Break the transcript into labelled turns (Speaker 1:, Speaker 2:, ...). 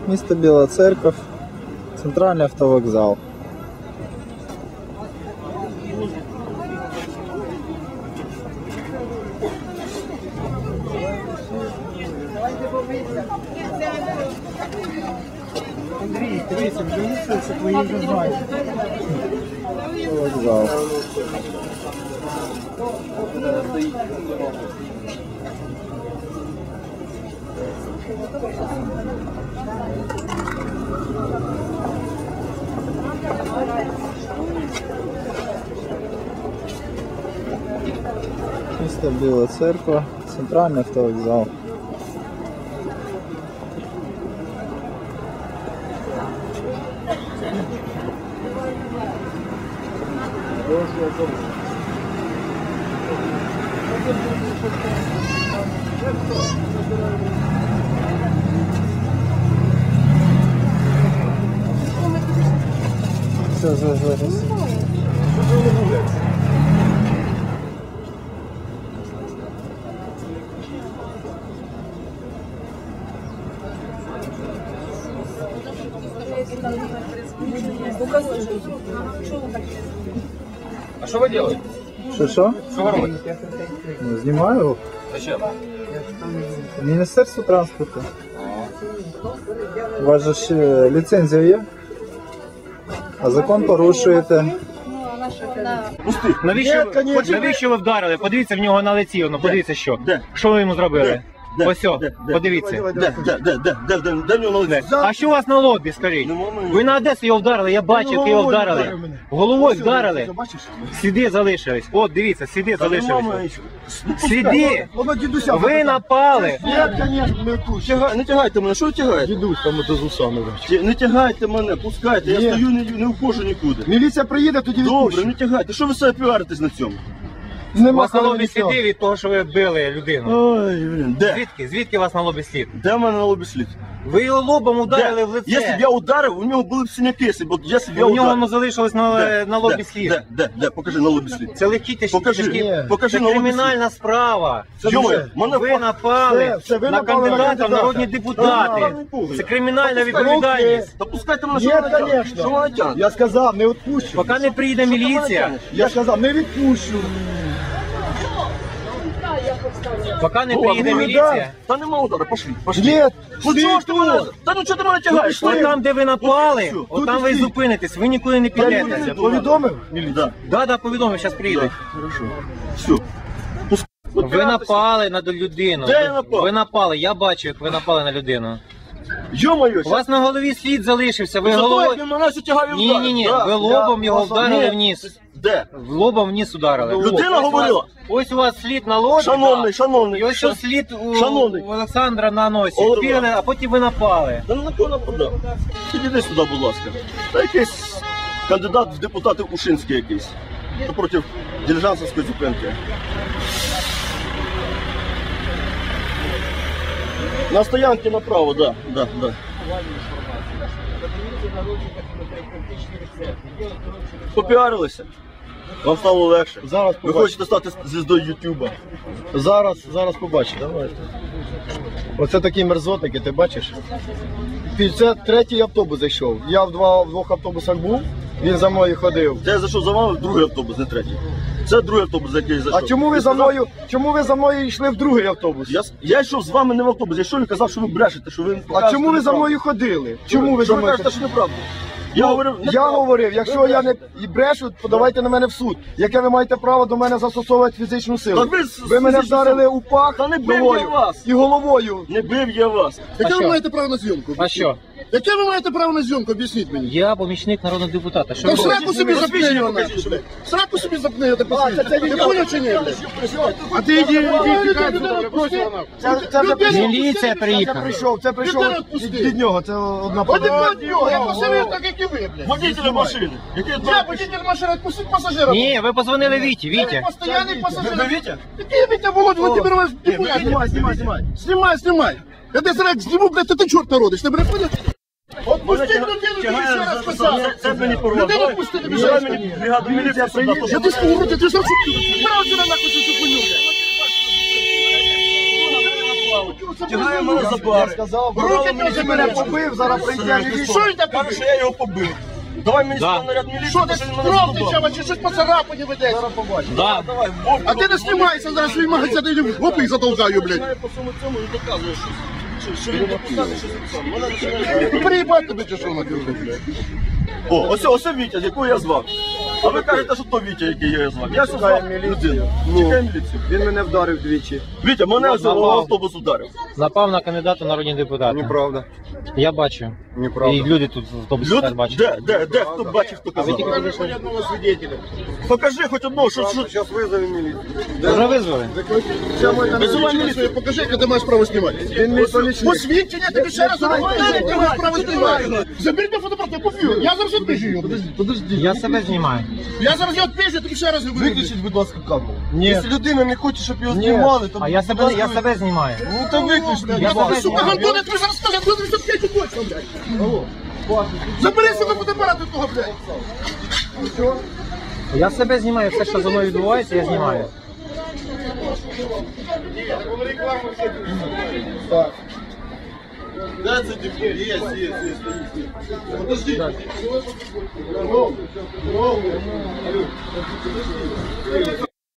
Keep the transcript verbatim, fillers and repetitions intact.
Speaker 1: Місто Біла Церква, центральний автовокзал.
Speaker 2: Андрій, дивися, вже це твої вже знають.
Speaker 1: Вокзал. Місто Біла Церква, центральний автовокзал. Все, зараз, зараз.
Speaker 3: А что вы делаете?
Speaker 1: Що, що?
Speaker 3: Что вы робите?
Speaker 1: Ну, знімаю.
Speaker 3: Зачем?
Speaker 1: Міністерство транспорту. У вас же ж е, ліцензія є? А закон порушуєте.
Speaker 3: Пусти. Навіщо,
Speaker 2: Ні, конечно.
Speaker 3: навіщо ви вдарили? Подивіться в нього на лиці, ну подивіться що.
Speaker 4: Де?
Speaker 3: Що ви йому зробили?
Speaker 4: Де?
Speaker 3: Ось о,
Speaker 4: Де? Де?
Speaker 3: подивіться.
Speaker 4: Де, де, де, де, де, де, де в нього на лиці?
Speaker 3: А що у вас на лобі, скажіть?
Speaker 4: Нема мене.
Speaker 3: Ви на Одесу його вдарили, я бачив, як його вдарили. Головою вдарили.
Speaker 4: Бачиш?
Speaker 3: Сліди залишились. От, дивіться, сліди
Speaker 4: Та нема
Speaker 3: залишились.
Speaker 4: мене.
Speaker 3: Сліди!
Speaker 2: Воно дідуся.
Speaker 3: Ви напали!
Speaker 2: Ні, звісно, не вкус.
Speaker 4: Тягай- Не тягайте мене, що ви тягаєте?
Speaker 2: Дідусь там ото з усами.
Speaker 4: Ті- Не тягайте мене, пускайте, я
Speaker 2: Ні.
Speaker 4: стою, не, не вхожу нікуди.
Speaker 2: Міліція приїде, тоді
Speaker 4: Добре,
Speaker 2: відпущу.
Speaker 4: не тягайте, що ви себе піаритесь на цьому?
Speaker 3: У
Speaker 2: Нема
Speaker 3: вас на
Speaker 2: коли
Speaker 3: лобі
Speaker 2: нічого.
Speaker 3: сліди від того, що ви били людину.
Speaker 4: Ой, блін, де?
Speaker 3: Звідки? Звідки у вас на лобі слід?
Speaker 4: Де в мене на лобі слід?
Speaker 3: Ви його лобом ударили в лице.
Speaker 4: Якщо б я ударив, у нього були б синяки, якщо б якщо б я
Speaker 3: У нього
Speaker 4: ударив.
Speaker 3: воно залишилось на,
Speaker 4: Де?
Speaker 3: на лобі
Speaker 4: Де?
Speaker 3: слід.
Speaker 4: Де? Де? Де? Покажи на лобі слід.
Speaker 3: Це легкі тяжкі.
Speaker 4: Покажи.
Speaker 3: тяжкі-
Speaker 2: Ні.
Speaker 4: Покажи
Speaker 3: Це
Speaker 4: на лобі слід.
Speaker 3: кримінальна справа.
Speaker 4: Йоме, мене
Speaker 3: Ви напали
Speaker 2: Все, все, ви
Speaker 3: на
Speaker 2: напали на
Speaker 3: кандидата в
Speaker 2: кандидата.
Speaker 3: народні депутати.
Speaker 4: Ага.
Speaker 3: Це кримінальна
Speaker 4: Та
Speaker 3: відповідальність.
Speaker 4: Та пускайте мене,
Speaker 2: Ні,
Speaker 4: що вона тягне.
Speaker 2: звісно.
Speaker 4: Що вона тягне?
Speaker 2: Я сказав, не відпущу.
Speaker 3: Поки не прийде міліція,
Speaker 2: Я сказав, не відпущу.
Speaker 3: поки не
Speaker 4: О,
Speaker 3: приїде
Speaker 4: ну,
Speaker 3: міліція.
Speaker 4: Та нема удара, пошли, пошли.
Speaker 2: Ні,
Speaker 4: Ну
Speaker 2: ти
Speaker 4: чого ж ти мене?
Speaker 2: тут.
Speaker 4: Та ну чого ти мене тягаєш?
Speaker 3: От там, де ви напали,
Speaker 4: Тут і
Speaker 3: от там
Speaker 4: все.
Speaker 3: ви і зупинитесь, ви нікуди не
Speaker 4: Я
Speaker 3: підете.
Speaker 4: не
Speaker 2: Повідомив?
Speaker 4: Да.
Speaker 3: Да, да, повідомив, зараз приїдуть.
Speaker 4: Хорошо. Все.
Speaker 3: Ви напали на людину.
Speaker 4: Де я напав?
Speaker 3: Ви напали, я бачу, як ви напали на людину.
Speaker 4: Йо-моє,
Speaker 3: У вас на голові слід залишився, ви
Speaker 4: Зато як
Speaker 3: головою...
Speaker 4: він мене тягав і
Speaker 3: Ні,
Speaker 4: вдарив.
Speaker 3: ні, ні,
Speaker 4: Да.
Speaker 3: ви лобом його
Speaker 4: Я-
Speaker 3: вдарили
Speaker 4: Ні.
Speaker 3: в ніс.
Speaker 4: Де?
Speaker 3: В лобом в ніс ударили.
Speaker 4: Людина
Speaker 3: Ось у
Speaker 4: говорила.
Speaker 3: вас- Ось у вас слід на лобі.
Speaker 4: Шановний,
Speaker 3: да.
Speaker 4: шановний.
Speaker 3: І ось
Speaker 4: Ша-
Speaker 3: ось слід у,
Speaker 4: Шановний.
Speaker 3: у Олександра на носі.
Speaker 4: О,
Speaker 3: Впірили, а потім ви напали.
Speaker 4: Та на кого нападав? Підійди сюди, будь ласка. Та якийсь кандидат в депутати Ушинський якийсь. Проти дилижансовської зупинки. На стоянці направо, так, да, да, да. Попіарилися. Вам стало легше.
Speaker 2: Зараз
Speaker 4: Ви
Speaker 2: побачите.
Speaker 4: хочете стати звіздою Ютуба.
Speaker 2: Зараз, зараз побачиш. Оце такі мерзотники, ти бачиш? Це третій автобус зайшов. Я в, два, в двох автобусах був, він за мною ходив.
Speaker 4: Це я зайшов за вами в другий автобус, не третій. Це другий автобус, за який я зайшов.
Speaker 2: А чому ви
Speaker 4: Я
Speaker 2: за
Speaker 4: сказав-
Speaker 2: мною, чому ви за мною йшли в другий автобус?
Speaker 4: Я, я йшов з вами не в автобус, я йшов і казав, що ви брешете, що ви
Speaker 2: А чому ви за мною ходили? Чому ви
Speaker 4: що
Speaker 2: за
Speaker 4: ви
Speaker 2: мною
Speaker 4: кажете,
Speaker 2: ходили?
Speaker 4: що неправда? Я говорив,
Speaker 2: Я
Speaker 4: неправда.
Speaker 2: говорив, якщо я не і брешу, подавайте на мене в суд. Яке ви маєте право до мене застосовувати фізичну силу?
Speaker 4: Та ви з-
Speaker 2: Ви мене
Speaker 4: фізичну
Speaker 2: вдарили
Speaker 4: силу.
Speaker 2: у пах
Speaker 4: Та не бив
Speaker 2: головою
Speaker 4: я вас.
Speaker 2: і головою.
Speaker 4: Не бив я вас.
Speaker 5: Яке
Speaker 3: що?
Speaker 5: ви маєте право на зйомку?
Speaker 3: А що?
Speaker 5: Яке ви маєте право на зйомку? Об'ясніть мені.
Speaker 3: Я помічник народного депутата. Що
Speaker 5: Та
Speaker 3: ви
Speaker 5: сраку собі запни
Speaker 4: Посвідчення
Speaker 5: його
Speaker 4: покажіть,
Speaker 5: нахуй.
Speaker 4: що ви-
Speaker 5: Сраку собі запни його, ти посвідчення. Ти поняв чи ні?
Speaker 2: А ти йди, йди, тікай
Speaker 5: Людину
Speaker 2: сюди,
Speaker 5: відпусти.
Speaker 2: Це, це вже
Speaker 5: Людину
Speaker 3: Міліція
Speaker 2: Це
Speaker 3: приїхала.
Speaker 2: прийшов, це прийшов
Speaker 5: Людину відпусти.
Speaker 2: від, від нього, це одна
Speaker 5: От і
Speaker 2: подруга.
Speaker 5: від нього, я посадив так, як і ви, блядь.
Speaker 4: Водителя машини. Який
Speaker 5: Я водитель машини, відпустіть пасажира.
Speaker 3: Ні, ви позвонили Віті,
Speaker 5: Я
Speaker 3: Вітя.
Speaker 5: постоянний пасажир.
Speaker 4: Ви Вітя?
Speaker 5: Який Вітя, Володь Владимирович?
Speaker 4: Знімай, знімай, знімай.
Speaker 5: Знімай, знімай. Я десь раз зніму, блядь, ти чорт народиш, ти мене поняв? Отпусти людину, тобі ще раз писав.
Speaker 4: Це, це мені порвав.
Speaker 5: Людину відпусти, тобі ще
Speaker 4: Давай
Speaker 5: раз
Speaker 4: мені бригаду міліції сюди.
Speaker 5: Я ти скажу, ти ти що? Брав сюди нахуй цю хуйню, блядь. це
Speaker 4: тягає мене за
Speaker 2: Я
Speaker 4: бари.
Speaker 2: сказав,
Speaker 5: Руки
Speaker 2: мені
Speaker 5: теж
Speaker 2: мене
Speaker 5: бере.
Speaker 2: побив, зараз прийде міліція.
Speaker 5: Що він там
Speaker 4: Каже,
Speaker 5: побив?
Speaker 4: що я його побив. Давай мені
Speaker 3: Да.
Speaker 4: сюди наряд міліції,
Speaker 5: Що ти
Speaker 4: що він мене
Speaker 5: кров
Speaker 4: задубав.
Speaker 5: тече, чи щось по царапані ведеться?
Speaker 2: Зараз побачиш.
Speaker 3: Да.
Speaker 4: Давай, в бок,
Speaker 5: А ти не знімайся, зараз свій магазин, я в гопи затолкаю, блядь.
Speaker 4: починає по всьому цьому і доказує, що, що, що він депутат, і що записав. Мене починає...
Speaker 5: Приїбать тебе, чи що на тебе, блядь.
Speaker 4: О, ось, ось Вітя, якого я звав. А ви кажете, що то Вітя, який я звав. Я що звав людину. Чекай міліцію.
Speaker 2: Він мене вдарив двічі.
Speaker 4: Вітя, мене ось автобус ударив.
Speaker 3: Напав на кандидата в народні депутати.
Speaker 2: Неправда.
Speaker 3: Я бачу.
Speaker 2: Неправда.
Speaker 3: І люди тут в автобусі
Speaker 4: Люди?
Speaker 3: теж бачать.
Speaker 4: Де, де, де, хто бачив, хто казав?
Speaker 5: Покажи хоч одного свидетеля.
Speaker 4: Покажи хоч одного, що, що...
Speaker 2: Зараз визову міліцію.
Speaker 3: Вже визвали?
Speaker 5: Визивай міліцію, покажи, яке ти маєш право знімати.
Speaker 2: Він мій помічник.
Speaker 5: Посвідчення, тобі ще раз говорю, ти маєш право знімати. Заберіть на фотоапарат, я купив. Я зараз відпишу його. Подожди.
Speaker 3: Я себе знімаю.
Speaker 5: Я зараз його відпишу, я тобі ще раз говорю.
Speaker 2: Виключіть, будь ласка, камеру.
Speaker 3: Ні.
Speaker 2: Якщо людина не хоче, щоб його знімали, то...
Speaker 3: А я себе, я себе знімаю.
Speaker 2: Ну то виключно.
Speaker 3: Я
Speaker 5: Я
Speaker 3: себе
Speaker 5: тобі, сука,
Speaker 3: знімаю.
Speaker 5: Антон, я тобі зараз скажу, я тобі п'ять точно, блядь. Забери себе фотоапарат від того, блядь.
Speaker 3: Я себе знімаю, все, що зі мною відбувається, я знімаю.